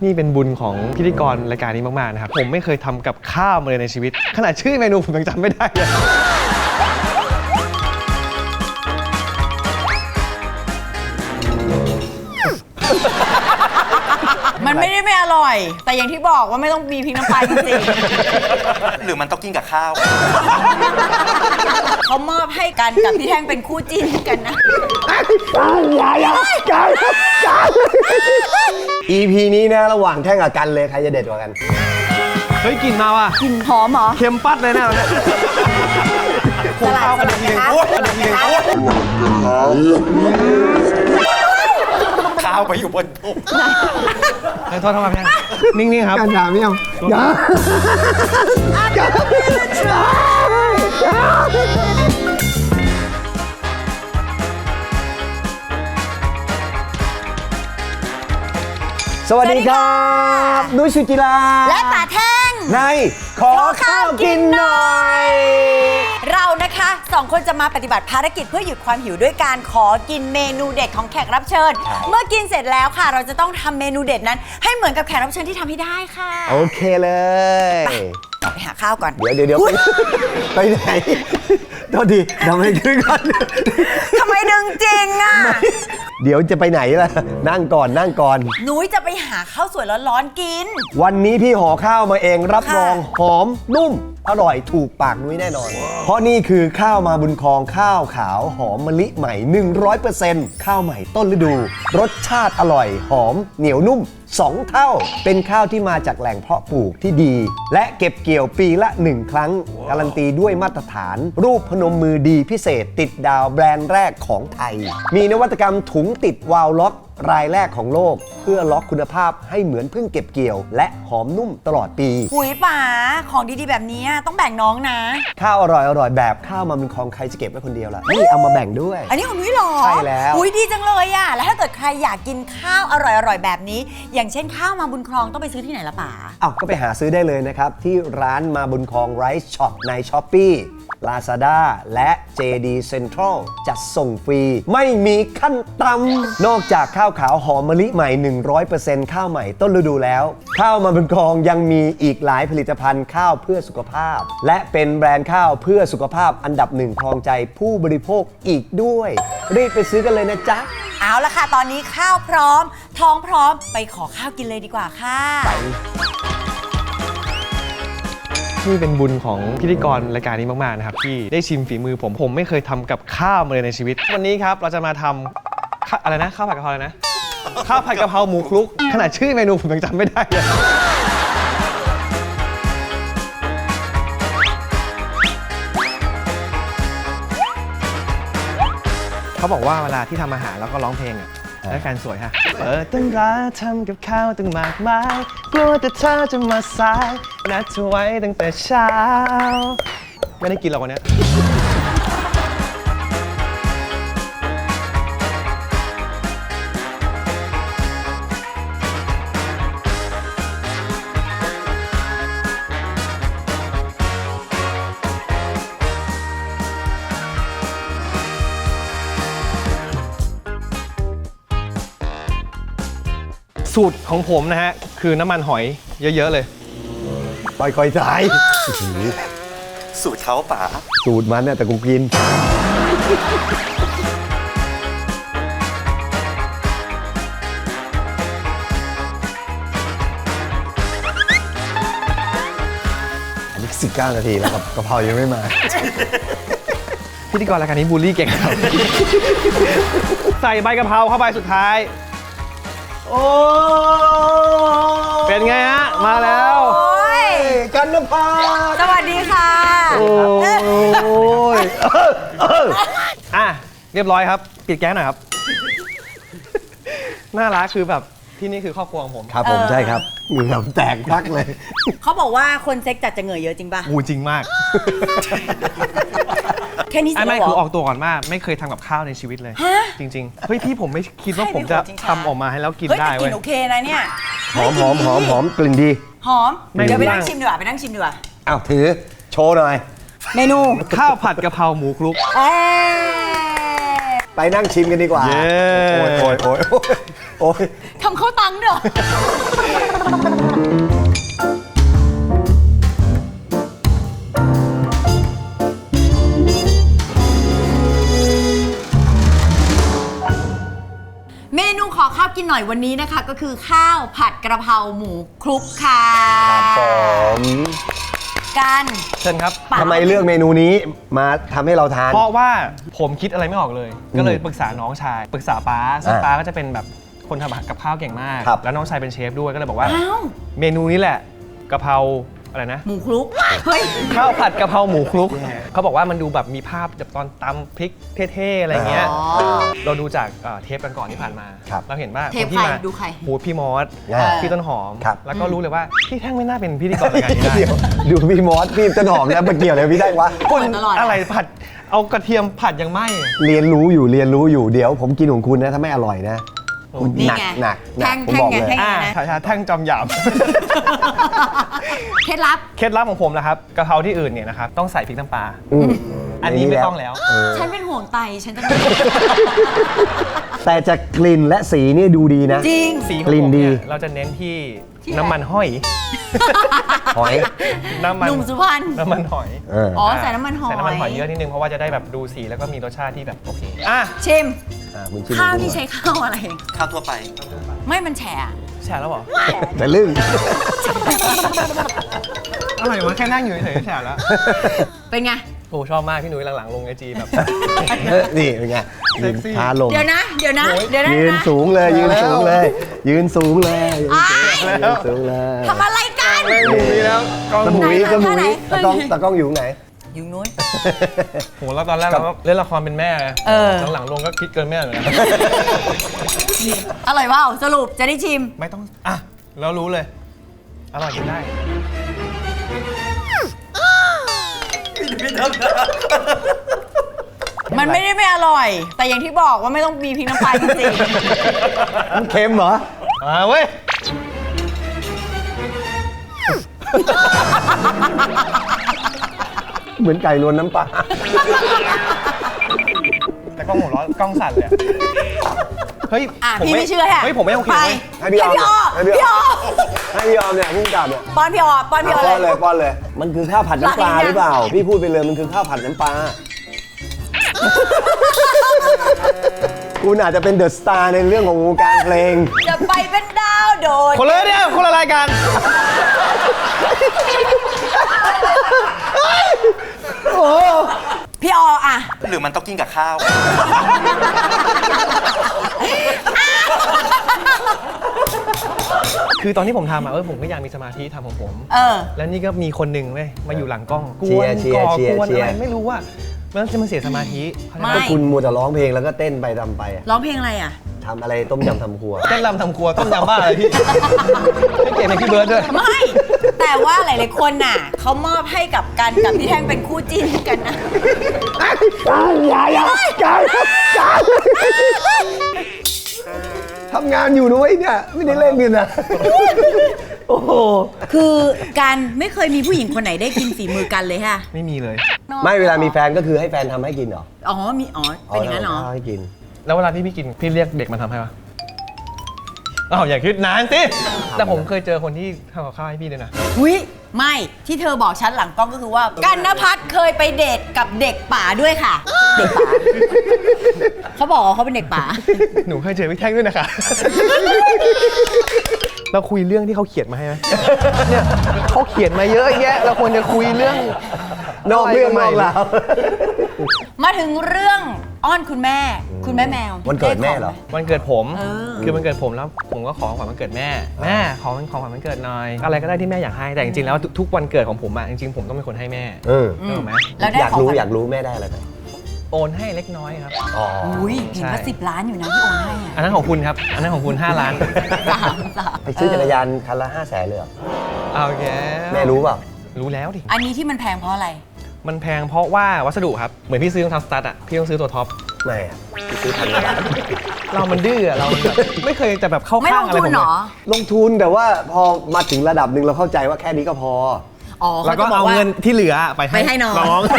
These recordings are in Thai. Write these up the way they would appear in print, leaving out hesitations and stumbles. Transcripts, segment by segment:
นี่เป็นบุญของพิธีกรรายการนี้มากๆนะครับผมไม่เคยทำกับข้าวมาเลยในชีวิตขนาดชื่อเมนูผมยังจำไม่ได้เลยมันไม่ได้ไม่อร่อยแต่อย่างที่บอกว่าไม่ต้องมีพริกน้ำปลาจริงหรือมันต้องกินกับข้าวๆเขามอบให้กันกับพี่แท่งเป็นคู่จิ้นกันนะอย่า EP นี้นะระหว่างแท่งกับกันเลยใครจะเด็ดกว่ากันเฮ้ยกลิ่นมาว่ะกลิ่นหอมเหรอเค็มปัดเลยนะเนี่ยสลัดสลัดนะคะข้าวไปอยู่บนโต๊ะโทษทำไมพี่นิ่งๆครับกันด่าไม่เอาอย่าสวัสดีครับนุ้ยสุจิราและป๋าแท่งในขอข้าวกินหน่อยเรานะคะ2 คนจะมาปฏิบัติภารกิจเพื่อหยุดความหิวด้วยการขอกินเมนูเด็ดของแขกรับเชิญเมื่อกินเสร็จแล้วค่ะเราจะต้องทำเมนูเด็ดนั้นให้เหมือนกับแขกรับเชิญที่ทำให้ได้ค่ะโอเคเลยไปหาข้าวก่อนเดี๋ยวไปไหนโทษทีทำให้ขึ้นก่อนทำไมดึงจริงอ่ะเดี๋ยวจะไปไหนล่ะนั่งก่อนนุ้ยจะไปหาข้าวสวยร้อนๆกินวันนี้พี่ห่อข้าวมาเองรับรองหอมนุ่มอร่อยถูกปากนุ้ยแน่นอนเพราะนี่คือข้าวมาบุญครองข้าวขาวหอมมะลิใหม่ 100% ข้าวใหม่ต้นฤดูรสชาติอร่อยหอมเหนียวนุ่ม2 เท่าเป็นข้าวที่มาจากแหล่งเพาะปลูกที่ดีและเก็บเกี่ยวปีละ1 ครั้งการันตีด้วยมาตรฐานรูปพนมมือดีพิเศษติดดาวแบรนด์แรกของไทยมีนวัตกรรมถุงติดวาล์วล็อกรายแรกของโลกเพื่อล็อกคุณภาพให้เหมือนเพิ่งเก็บเกี่ยวและหอมนุ่มตลอดปีหุยป๋าของดีๆแบบนี้ต้องแบ่งน้องนะข้าวอร่อยแบบข้าวมาบุญครองใครจะเก็บไว้คนเดียวล่ะนี่เอามาแบ่งด้วยอันนี้ของนุ้ยหรอใช่แล้วหุยดีจังเลยอ่ะแล้วถ้าเกิดใครอยากกินข้าวอร่อยแบบนี้อย่างเช่นข้าวมาบุญครองต้องไปซื้อที่ไหนล่ะป๋าก็ไปหาซื้อได้เลยนะครับที่ร้านมาบุญครองไรซ์ช็อปใน Shopee Lazada และ JD Central จัดส่งฟรีไม่มีขั้นต่ำนอกจากข้าวขาวหอมมะลิใหม่ 100% ข้าวใหม่ต้นฤดูแล้วข้าวมาบุญครองยังมีอีกหลายผลิตภัณฑ์ข้าวเพื่อสุขภาพและเป็นแบรนด์ข้าวเพื่อสุขภาพอันดับ1ครองใจผู้บริโภคอีกด้วยรีบไปซื้อกันเลยนะจ๊ะเอาละค่ะตอนนี้ข้าวพร้อมท้องพร้อมไปขอข้าวกินเลยดีกว่าค่ะนี่เป็นบุญของพิธีกรรายการนี้มากๆนะครับที่ได้ชิมฝีมือผมไม่เคยทำกับข้าวมาเลยในชีวิตวันนี้ครับเราจะมาทำอะไรนะข้าวผัดกะเพราอะไรนะข้าวผัดกะเพราหมูคลุกขนาดชื่อเมนูผมยังจำไม่ได้เลยเขาบอกว่าเวลาที่ทำอาหารแล้วก็ร้องเพลงและแฟนสวยฮะเปิดตั้งร้านทำกับข้าวตั้งมากมายกลัวแต่เธอจะมาสายนัดเธอไว้ตั้งแต่เช้าไม่ได้กินหรอกวันนี้สูตรของผมนะฮะคือน้ำมันหอยเยอะๆเลยค่อยๆใส่สูตรเขาป๋าสูตรมันเนี่ยแต่กูกินอันนี้19 นาทีแล้วครับกะเพรายังไม่มาพิธีกรรายการนี้บูลลี่เก่งครับใส่ใบกะเพราเข้าไปสุดท้ายโอ้เป็นไงฮะมาแล้วกันนภาสวัสดีค่ะโอ้ยเรียบร้อยครับปิดแก๊สหน่อยครับน่ารักคือแบบที่นี่คือครอบครัวของผมครับผมใช่ครับเหงื่อแตกพักเลยเขาบอกว่าคนเซ็กจัดจะเหงื่อเยอะจริงป่ะจริงมากแค่นี้สิไม่คือออกตัวก่อนว่าไม่เคยทำกับข้าวในชีวิตเลยจริงๆเฮ้ยพี่ผมไม่คิดว่าผมจะทำออกมาให้แล้วกินได้เว้ยกลิ่นโอเคนะเนี่ยหอมกลิ่นดีหอมเดี๋ยวไปนั่งชิมดีกว่าอ้าวถือโชว์หน่อยเมนูข้าวผัดกะเพราหมูคลุกไปนั่งชิมกันดีกว่าโอ้ยทำข้าวตังเด้อหน่อยวันนี้นะคะ ก็คือข้าวผัดกระเพราหมูคลุกค่ะครับผมกันเชิญครับปะทำไมเลือกเมนูนี้มาทำให้เราทานเพราะว่าผมคิดอะไรไม่ออกเลย ก็เลยปรึกษาน้องชาย ปรึกษาป้าซึ่งป้าก็จะเป็นแบบคนทำกับข้าวเก่งมากครับแล้วน้องชายเป็นเชฟด้วยก็เลยบอกว่าอ้าวเมนูนี้แหละกะเพราอะไรนะหมูคลุกเฮ้ยข้าวผัดกะเพราหมูคลุกเขาบอกว่ามันดูแบบมีภาพแบบตอนตำพริกเท่ๆอะไรเงี้ยอ๋อเราดูจากเทปกันก่อนที่ผ่านมาครับเราเห็นว่าเทปคนที่ใครมาดูใครโหพี่มอสอ่าพี่ต้นหอมครับแล้วก็รู้เลยว่าพี่แท่งไม่น่าเป็นพิธีกรรายการนี้ได้เดี๋ยวดูพี่มอสพี่ต้นหอมแล้วมันเกี่ยวอะไรพี่ได้วะคนตลอดอะไรผัดเอากระเทียมผัดยังไหมเรียนรู้อยู่เดี๋ยวผมกินของคุณนะถ้าไม่อร่อยนะคุณนี่หนักไงหนักแท่งผมบอกแท่งเลยไงชาแท่งจอมหยาบเคล็ดลับเคล็ดลับของผมนะครับกะเพราที่อื่นเนี่ยนะครับต้องใส่พริกน้ำปลาอืมอันนี้ไม่ต้องแล้วฉันเป็นห่วงไตฉันจะแต่จากกลิ่นและสีนี่ดูดีนะจริงสีขกองลิ่ผนมดีเนี่ยเราจะเน้นที่ที่น้ำมันห้อยหอยน้ำมันหนุ่มสุพรรณน้ำมันหอยเอออ๋อใส่น้ำมันหอยใส่น้ำมันหอยเยอะนิดนึงเพราะว่าจะได้แบบดูสีแล้วก็มีรสชาติที่แบบโอเคอ่ะชิมคุณชิมข้าวดูที่ใช้ข้าวอะไรข้าวทั่วไปไม่มันแฉะแฉะแล้วเหรอแต่ลึ่งอะไรวะแค่นั่งอยู่เฉยๆแฉะแล้วเป็นไงโอ้ชอบมากพี่หนุ่ยหลังๆลงไอจีแบบนี่เป็นไงเซ็กซี่พาลงเดี๋ยวนะ เดี๋ยวนะ เดี๋ยวนะยืนสูงเลยยืนสูงเลยยืนสูงเลยอ้ายยืนสูงเลยทำอะไรกันแม่งหมุยแล้วกล้องตะหหมุมุยยตะหมุท่าไหนยตะกล้องอยู่ไหนอยู่นู้นโหแล้วตอนแรกเราก็เล่นละครเป็นแม่ไงเออหลังๆลงก็คิดเกินแม่เลยนะอร่อยเปล่าสรุปจะได้ชิมไม่ต้องอ่ะแล้วรู้เลยอร่อยกินได้มันไม่ได้ไม่อร่อย แต่อย่างที่บอกว่าไม่ต้องมีพริกน้ำปลาจริงมันเค็มเหรอเว้ยเหมือนไก่รวนน้ำปลาแต่กล้องหัวเร้อนกล้องสั่นเลยอะเฮ้ยๆอ่ะผพี่ไม่เชื่อฮะเฮ้ยผมไม่โอเคไปเว้ยให้พี่ออมให้พี่ออให้พี่ออมเนี่ยพุ่งกลับเนี่ยป้อนพี่ออป้อนพี่ออป้อนเลเลย ยป้อนเลย มันคือข้าวผัดน้ำปลาหรือเปล่า พี่พูดไปเลยมันคือข้าวผัดน้ำปลา คุณอาจจะเป็นเดอะสตาร์ในเรื่องของวงการเพลงจะไปเป็นดาวโดดคนเลยเนี่ยคนละรายการพี่อออ่ะหรือมันต้องกินกับข้าวคือตอนที่ผมทำผมก็อยากมีสมาธิทำของผมเออแล้วนี่ก็มีคนหนึ่งเว้ยมาอยู่หลังกล้องกเชีวย นร์เชียร์ก่อเชียร์กวนเชียร์อะไรไม่รู้ว่ามันจะมาเสียสมาธิเข้าใจไม่ปะก็คุณมัวแต่ร้องเพลงแล้วก็เต้นไปทำไปอะร้องเพลงอะไรอ่ะทำอะไรต้มยำทำครัวเต้นรำทำครัวต้มยำบ้าอะไรพี่ ให้เกียรติในพี่เบิร์ดด้วยไม่ แต่ว่าหลายๆคนน่ะเขามอบให้กับกันกับพี่แท่งเป็นคู่จิ้นกันนะการทำงานอยู่ด้วยเนี่ย ไม่ได้เล่นกันนะ โอ้โหคือการไม่เคยมีผู้หญิงคนไหนได้กินฝีมือกันเลยค่ะไม่มีเลยไม่เวลามีแฟนก็คือให้แฟนทำให้กินเหรออ๋อมีอ๋อเป็นอย่างนั้นเหรอทำให้กินแล้วเวลาที่พี่กินพี่เรียกเด็กมาทำให้ปะอ้าวอย่าคิดนานสิแต่ผมเคยเจอคนที่ทำกับข้าวให้พี่ด้วยนะวิไม่ที่เธอบอกฉันหลังกล้องก็คือว่ากันนภัทรเคยไปเดทกับเด็กป่าด้วยค่ะ เด็กป่าเขาบอกว่าเขาเป็นเด็กป่าหนูเคยเจอพี่แท่งด้วยนะคะ เราคุยเรื่องที่เขาเขียนมาให้ไหมเนี่ยเขาเขียนมาเยอะแยะ เราควรจะคุยเรื่องนอกเรื่องนอกราวมาถึงเรื่องอ้อนคุณแม่ คุณแม่แมววันเกิดแม่เหรอวันเกิดผมเออคือมันเกิดผมแล้วผมก็ขอของขวัญวันเกิดแม่ แม่ขอของขวัญวันเกิดหน่อย อะไรก็ได้ที่แม่อยากให้ แต่จริงๆแล้วทุกวันเกิดของผมอะจริงๆผมต้องเป็นคนให้แม่เออถูกไหมแล้วได้อยากของรู้ขวัญอยากรู้แม่ได้อะไรไปโอนให้เล็กน้อยครับอ๋ออุ้ยเห็นว่าใช่ 10 ล้านอยู่นะที่โอนให้อะอันนั้นของคุณครับ อันนั้นของคุณ5 ล้านสามไปซื้อจักรยานคันละ500,000เลยเหรอเอาแกแม่รู้เปล่ารู้แล้วดิอันนี้ที่มันแพงเพราะอะไรมันแพงเพราะว่าวัสดุครับ เหมือนพี่ซื้อรองเท้าสตั๊ดอะพี่ต้องซื้อตัวท็อปไม่อะไปซื้อพันละบาทเรามันดื้ออะเรามันแบบไม่เคยจะแบบเข้าไม่ลข้างงอะไรทุผนมเหรเลยอลงทุนแต่ว่าพอมาถึงระดับหนึ่งเราเข้าใจว่าแค่นี้ก็พออ๋อแล้วก็ขจะบเอาว่เงินที่เหลือไปไปให้น้อง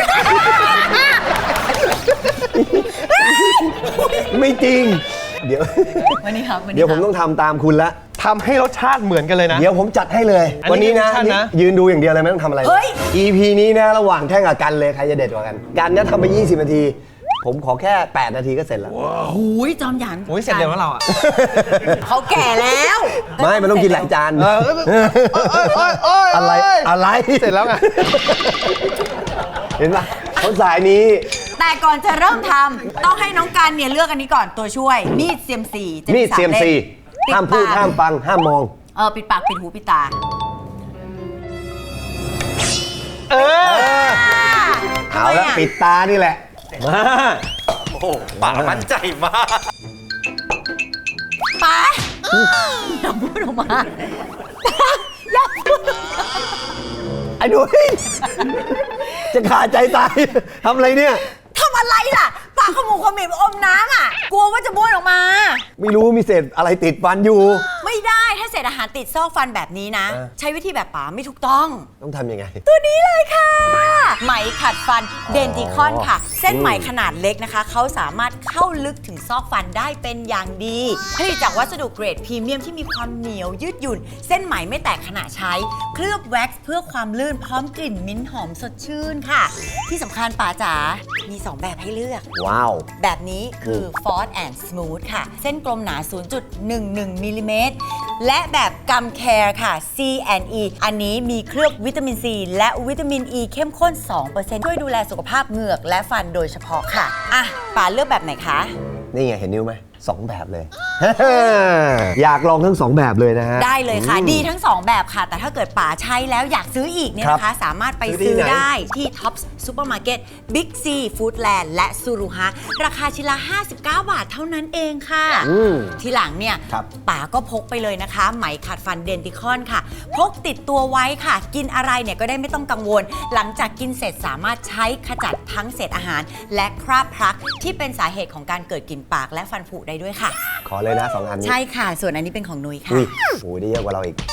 ไม่จริง เดี๋ยววันนี้ครับวันนี้เดี๋ยวผมครับต้องทำตามคุณละทำให้รสชาติเหมือนกันเลยนะเดี๋ยวผมจัดให้เลยอันนี้วันนี้นะเป็นมิชชั่นนะยืนดูอย่างเดียวเลยไม่ต้องทำอะไรเฮ้ย EP นี้นะระหว่างแท่งกับกันเลยใครจะเด็ดกว่ากัน กันเนี่ยทำไป20 นาทีผมขอแค่ 8 นาทีก็เสร็จแล้วหูยจอมหยันโอ้ยเสร็จเร็วแล้วเราอ่ะเขาแก่แล้วไม่ มันต้องกินหลายจาน อะไร อะไรเสร็จแล้วไงเห็นปะคนสายนี้แต่ก่อนจะเริ่มทำต้องให้น้องกันเนี่ยเลือกอันนี้ก่อนตัวช่วย มีด CMC จะมีด 3 CMC ล่ห้ามพูดปิปกห้ามฟัง ห้ามมองปิดปากปิดหูปิดตาเอาละปิดตานี่แหละ มาโอ้โหป๋ามั่นใจมากป๋าอย่าพูดออกมาอย่าพูดออกมาไอ้หนุ่ยจะขาดใจตาย ทำอะไรเนี่ยทำอะไรล่ะปากขมูขมิบอมน้ำอ่ะ กลัวว่าจะบ้วนออกมาไม่รู้มีเศษอะไรติดฟันอยู่ไม่ได้ถ้าเศษอาหารติดซอกฟันแบบนี้นะ ใช้วิธีแบบป๋าไม่ถูกต้องต้องทำยังไงตัวนี้เลยค่ะ ไหมขัดฟันเดนติคอนค่ะ เส้นไหมขนาดเล็กนะคะ เขาสามารถเข้าลึกถึงซอกฟันได้เป็นอย่างดีผลิตจากวัสดุเกรดพรีเมียมที่มีความเหนียวยืดหยุ่น เส้นไหมไม่แตกขณะใช้ เคลือบแว็กซ์เพื่อความลื่นพร้อมกลิ่นมิ้นท์หอมสดชื่นค่ะ ที่สำคัญป๋าจ๋ามี 2 แบบให้เลือกว้าวแบบนี้คือ Fort and Smooth ค่ะ เส้นกลมหนา 0.11 มิลลิเมตร และแบบกัมแคร์ค่ะ C&E อันนี้มีเคลือบวิตามิน C และวิตามิน E เข้มข้น 2% ช่วยดูแลสุขภาพเหงือกและฟันโดยเฉพาะค่ะ อ่ะป๋าเลือกแบบไหนคะนี่ไงเห็นนิ้วไหม2 แบบเลย อยากลองทั้ง 2 แบบเลยนะฮะได้เลยค่ะ ดีทั้ง 2 แบบค่ะ แต่ถ้าเกิดป๋าใช้แล้วอยากซื้ออีกเนี่ยนะคะ สามารถไปซื้ซื้ออที่ไหนได้ที่ Tops Supermarket Big C Foodland และซูรุฮะราคาชิ้นละ 59 บาทเท่านั้นเองค่ะ ทีหลังเนี่ยครับป๋าก็พกไปเลยนะคะ ไหมขัดฟันเดนติคอนค่ะ พกติดตัวไว้ค่ะ กินอะไรเนี่ยก็ได้ไม่ต้องกังวล หลังจากกินเสร็จสามารถใช้ขจัดทั้งเศษอาหาร และคราบพลักที่เป็นสาเหตุของการเกิดกลิ่นปากและฟันผุได้ด้วยค่ะขอเลยนะ 2 อันนี้ใช่ค่ะ ส่วนอันนี้เป็นของนุ้ยค่ะอุ้ยโอ้ยได้เยอะกว่าเราอีก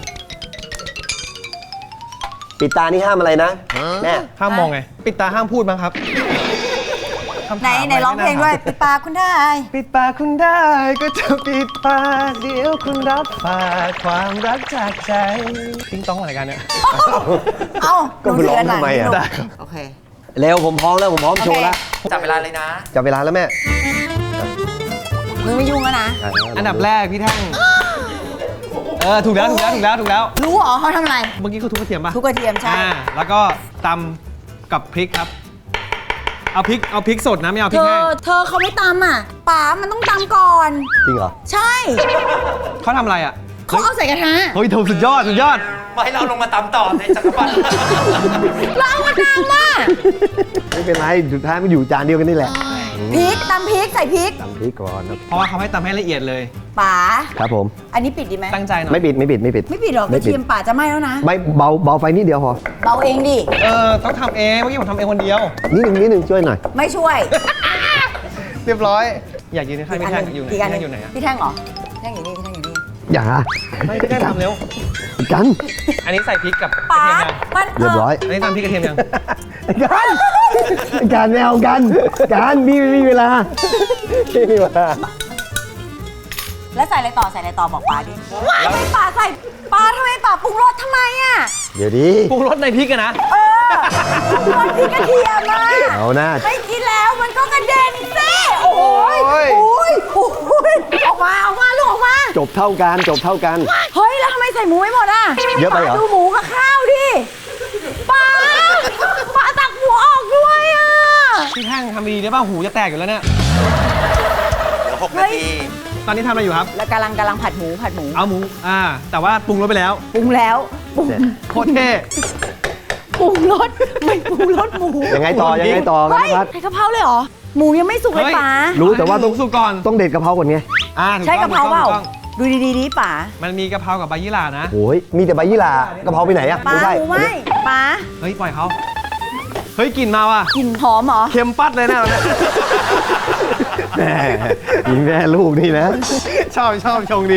ปิดตานี่ห้ามอะไรนะแม่ห้ามมองไง ปิดตาห้ามพูดบ้างครับคำถามไหนร้องเพลงด้วยปิดปากคุณได้ปิดปากคุณได้ก็จะปิดปากเดี๋ยวคุณรับฝากความรักจากใจ ติ้งต้องอะไรกันเนี่ยเอ้าก็ไปร้องทำไมอ่ะได้ครับโอเคเร็วผมพร้อมแล้วผมพร้อมโชว์แล้วจับเวลาเลยนะจับเวลาแล้วแม่มึงไม่ยุ่งแล้วนะอันดับแรกพี่แท่งถูกแล้วรู้เหรอเขาทำอะไรเมื่อกี้คือทุบกระเทียมป่ะทุกกระเทียมใช่แล้วก็ตำกับพริกครับ เอาพริกสดนะไม่เอาพเธริกอแห้งเขาไม่ตำอ่ะป๋ามันต้องตำก่อนจริงเหรอใช่เขาทำอะไรอ่ะเขาเอาใส่กระทะเฮ้ยสุดยอดมาให้เราลงมาตามต่อในจักรพรรดิเราเอามาตำอ่ะไม่เป็นไร สุดท้ายมันอยู่จานเดียวกันนี่แหละพริกตำพริกใส่พริกตำพริกก่อนครับเพราะว่าเขาให้ตำให้ละเอียดเลยป๋าครับผมอันนี้ปิดดีไหมตั้งใจหน่อยไม่ปิดไม่ปิดหรอกกระเทียมป๋าจะไหม้แล้วนะไม่เบาไฟนิดเดียวพอเบาเองดิต้องทำเอง เมื่อกี้ผมทำเองคนเดียวนิดนึงช่วยหน่อยไม่ช่วยเรียบร้อย อยากยืนในข้างพี่แท่งอยู่ไหนอีกอันหนึ่งอยู่ไหนอะพี่แท่งเหรอพี่แท่งอยู่นี่พี่แท่งอยู่นี่อย่าไม่พี่แท่งทำเร็วกันอันนี้ใส่พริกกับกระป๋าเทียมยังมันเรียบร้อยอันนี้ตำพริกกระเทียมยังการไม่เอากันมีเวลาไม่มีเวลาแล้วใส่อะไรต่อบอกป๋าดิทำไมป๋าใส่ป๋าทำไมป๋าปรุงรสทำไมอ่ะเดี๋ยวดิปรุงรสในพริกอะนะปรุงรสพริกกระเทียมอ่ะเอาหน้าไม่กินแล้วมันก็กระเด็นสิโอ้ยโอ้ยโอ้ยโอ้ยออกมาลูกออกมาจบเท่ากันเฮ้ยแล้วทำไมใส่หมูไม่หมดอ่ะเยอะไปเหรอป๋าดูหมูกับข้าวดิป๋าตักหมูออกด้วยอ่ะพี่แท่งทำดีได้ป่ะหูจะแตกอยู่แล้วเนี่ยเหลือ6 นาทีตอนนี้ทำอะไรอยู่ครับแล้วกำลังผัดหมูเอาหมู แต่ว่าปรุงรสไปแล้วปรุงแล้วปรุงโคตรเท่ปรุงรสไม่ปรุงรสหมูยังไงต่อกันเฮ้ยนะครับใส่กะเพราเลยเหรอหมูยังไม่สุกเลยป๋ารู้แต่ว่าต้องสุกก่อนต้องเด็ดกะเพราก่อนไงถูใช่กะเพราเปล่าถูต้องดูดีๆดิป๋ามันมีกะเพรากับใบยี่หร่านะโอ้ยมีแต่ใบยี่หร่ากะเพราไปไหนอะป๋าไม่ใช่หมูไหมป๋าเฮ้ย ปล่อยเขา เฮ้ยกลิ่นมาว่ะกลิ่นหอมเหรอเค็มปัดเลยนะเราเนี่ยแม่ยิงแม่ลูกนี่นะชอบชงดี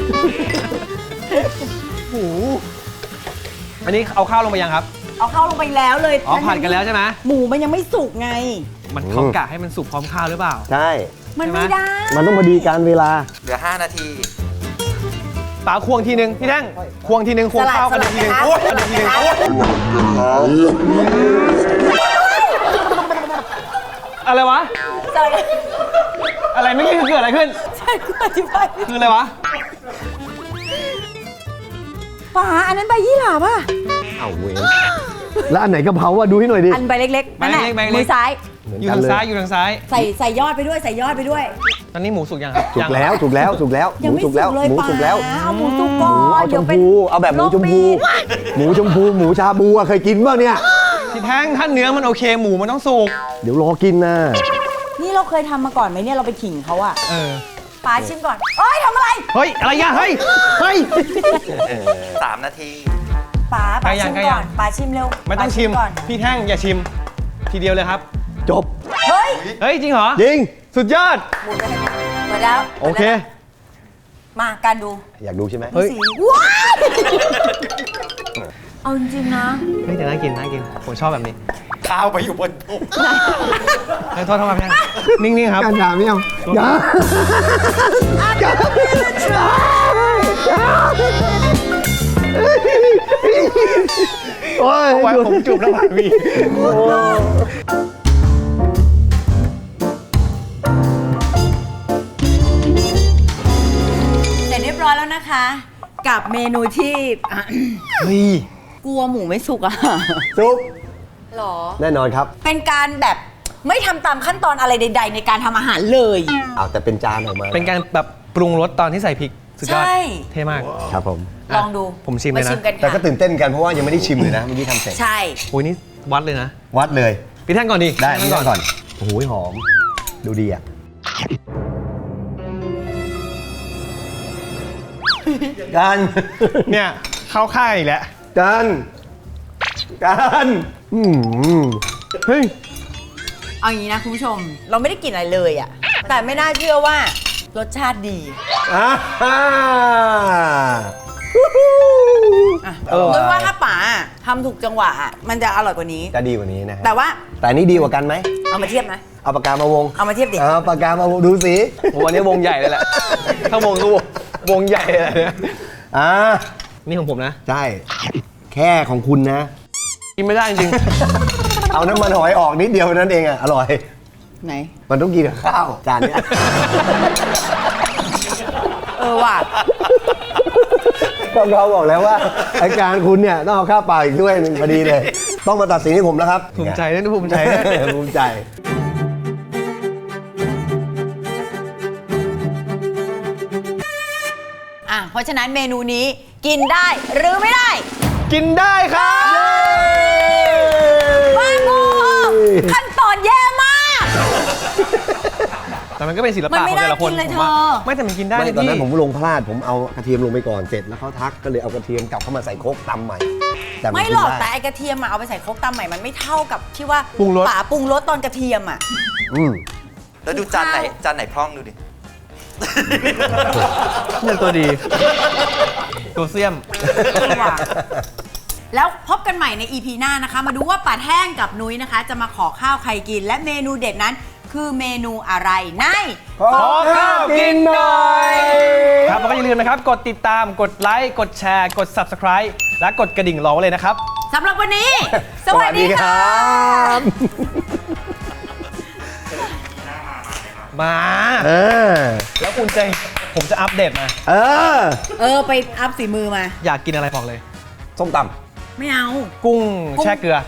หูอันนี้เอาข้าวลงไปยังครับเอาเข้าลงไปแล้วเลยผัดกันแล้วใช่ไหมหมูมันยังไม่สุกไงมันเขากะให้มันสุกพร้อมข้าวหรือเปล่าใช่มันไม่ได้มันต้องพอดีการเวลาเหลือ 5 นาทีป๋าควงทีนึงพี่แท่งควงทีนึงควงข้าวกันทีนึงสลัดกันทีนึงอะไรวะใช่อะไรไม่อกี้คือเกิดอะไรขึ้นใช่กูอธิบายคืออะไรวะป๋าอันนั้นใบยี่หร่าป่ะเอาเว้ยแล้วอันไหนกะเพราอะดูให้หน่อยดิอันใบเล็กๆนั่นแหละใบเล็กๆมือซ้ายอยู่ทางซ้ายอยู่ทางซ้ายใส่ยอดไปด้วยใส่ยอดไปด้วยตอนนี้หมูสุกยังครับสุกแล้วสุกแล้วสุกแล้วหยังมูไม่สุกแล้วเลยหมูป๋าสุกแล้วเอาหมูสุกก่อหมูนเอาชเดี๋ยวมเป็นพูเอาแบบหมูชมพูโรคปีดหมูชมพูหมูชาบูอะเคยกินบ้างเนี่ยพี่แท่งถ้าเนื้อมันโอเคหมูมันต้องสุกเดี๋ยวรอกินนะนี่เราเคยทำมาก่อนไหมเนี่ยเราไปขิงเขาอะเออป๋าชิมก่อนเอ้ยทำอะไรเฮ้ย อะไรอ่ะเฮ้ย เฮ้ย 3 นาทีป๋าใกล้ยัชิงมใกล้ยัก่อง นป๋าชิมเร็วไม่ต้องชิมป๋าก่อนพี่แท่งอย่าชิม ทีเดียวเลยครับจบเฮ้ยเฮ้ย จริงเหรอจริงสุดยอดหมดแล้วโอเคมาการดูอยากดูใช่ไหมเฮ้ยสีว้าวเอาจริงๆนะเฮ้ยแต่น่ากินน่ากิน ผมชอบแบบนี้ข้าวไปอยู่บนตุกเฮ้ยโทษครับพี่แท่งนิ่งๆครับการด่าไม่เอาอย่าโอ้ยไว้ผมจูบน้ำผักวีเสร็จเรียบร้อยแล้วนะคะ กับเมนูที่เฮ้ยกลัวหมูไม่สุกอะซุปหรอแน่นอนครับเป็นการแบบไม่ทำตามขั้นตอนอะไรใด ๆ ในการทำอาหารเลยเอาแต่เป็นจานออกมาเป็นการแบบปรุงรสตอนที่ใส่พริก สุดยอดใช่เท่มากครับผมลองดูผมชิมเลยนะาชิมกันแต่ก็ค่ะตื่นเต้นกันเพราะว่ายังไม่ได้ชิมเลยนะเมื่อกี้ทำเสร็จใช่โอ้ยนี่วัดเลยนะวัดเลยพี่แท่งก่อนดิได้พี่นี่แท่งก่อนโอ้โหหอม ดูดีอ่ะกันเนี่ยเข้าค่ายอีกแล้วกันเฮ้ยเอาอย่างนี้นะคุณผู้ชม เราไม่ได้กลิ่นอะไรเลยอะแต่ไม่น่าเชื่อว่ารสชาติดีอ่าอ่ะอร่อยด้วยว่าถ้าป๋าทำถูกจังหวะอะมันจะอร่อยกว่านี้จะดีกว่านี้นะฮะแต่ว่าแต่นี่ดีกว่ากันไหมเอามาเทียบนะเอาปากกามาวงเอามาเทียบดิเอาปากกามาวงดูสิผมวันนี้วงใหญ่เลยแหละ ถ้าวงก็วงใหญ่เลยเนี่ยอ่านี่ของผมนะใช่ แค่ของคุณนะกินไม่ได้จริงเอาน้ำมันหอยออกนิดเดียวนั่นเองอ่ะ อร่อยไหนมันต้องกินกับข้าวจานเนี้ยเออว่ะก็เราบอกแล้วว่าอาการคุณเนี่ยต้องเอาข้าวเปล่าอีกด้วยหนึ่งพอดีเลย ต้องมาตัดสินให้ผมแล้วครับภูมิใจด้วยนะภูมิใจด้วยภูมิใจอ่ะเพราะฉะนั้นเมนูนี้กินได้หรือไม่ได้กินได้ครับบ้าโมขั้นตอนแย่มากแต่มันก็เป็นศิลมันปะขไม่องแต่ละคนน่ากินเลยผมว่าเธอไม่แต่มันกินได้ไม่เลยตอนพี่นั้นผมลงพลาดผมเอากระเทียมลงไปก่อนเสร็จแล้วเขาทักก็เลยเอากระเทียมกลับเข้ามาใส่โคกตำใหม่ แต่นไม่หรอกกินแต่ได้ไอกระเทียมอะเอาไปใส่โครกตำใหม่มันไม่เท่ากับที่ว่าปรุงรสป๋าปรุงรสตอนกระเทียมอะอืมแล้วดูจานไหนพร่องดูดิเนี่ยตัวดี ตัวเสียมแล้วพบกันใหม่ใน EP หน้านะคะ มาดูว่าป๋าแท่งกับนุ้ยนะคะ จะมาขอข้าวใครกิน และเมนูเด็ดนั้นคือเมนูอะไรในขอข้าวกินหน่อยครับแล้วก็อย่าลืมนะครับ กดติดตาม กดไลค์ กดแชร์ กด Subscribe และกดกระดิ่งรอไว้เลยนะครับสำหรับวันนี้ สวัสดีค่ะบมาเออแล้วคุณใจผมจะอัปเดตมาเออไปอัพฝีมือมาอยากกินอะไรบอกเลยส้มตไม่เอากุ้งแช่เกลือำ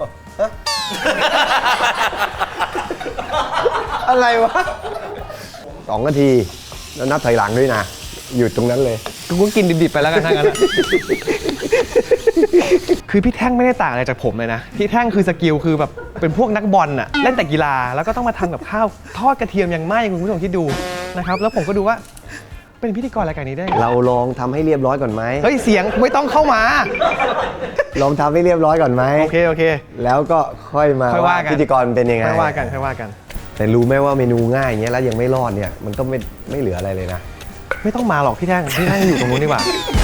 อะไรวะ2 นาที แล้วนับถอยหลังด้วยนะ หยุดตรงนั้นเลยกูกินดิบๆไปแล้วกันทั้งนั้นอะ คือพี่แท่งไม่ได้ต่างอะไรจากผมเลยนะ พี่แท่งคือสกิลคือแบบเป็นพวกนักบอลอะเล่นแต่กีฬาแล้วก็ต้องมาทำกับข้าวทอดกระเทียมอย่างไหม้คุณผู้ชมคิดดูนะครับแล้วผมก็ดูว่าเป็นพิธีกรรายการนี้ได้ไงเราลองทำให้เรียบร้อยก่อนไหมเฮ้ยเสียงไม่ต้องเข้ามาลองทำให้เรียบร้อยก่อนไหมโอเคโอเคแล้วก็ค่อยมาค่อยว่ากันพิธีกรเป็นยังไงค่อยว่ากันค่อยว่ากันแต่รู้ไหมว่าเมนูง่ายอย่างเงี้ยแล้วยังไม่รอดเนี่ย มันก็ไม่เหลืออะไรเลยนะไม่ต้องมาหรอกพี่แท่งอยู่ตรงนู้นดีกว่า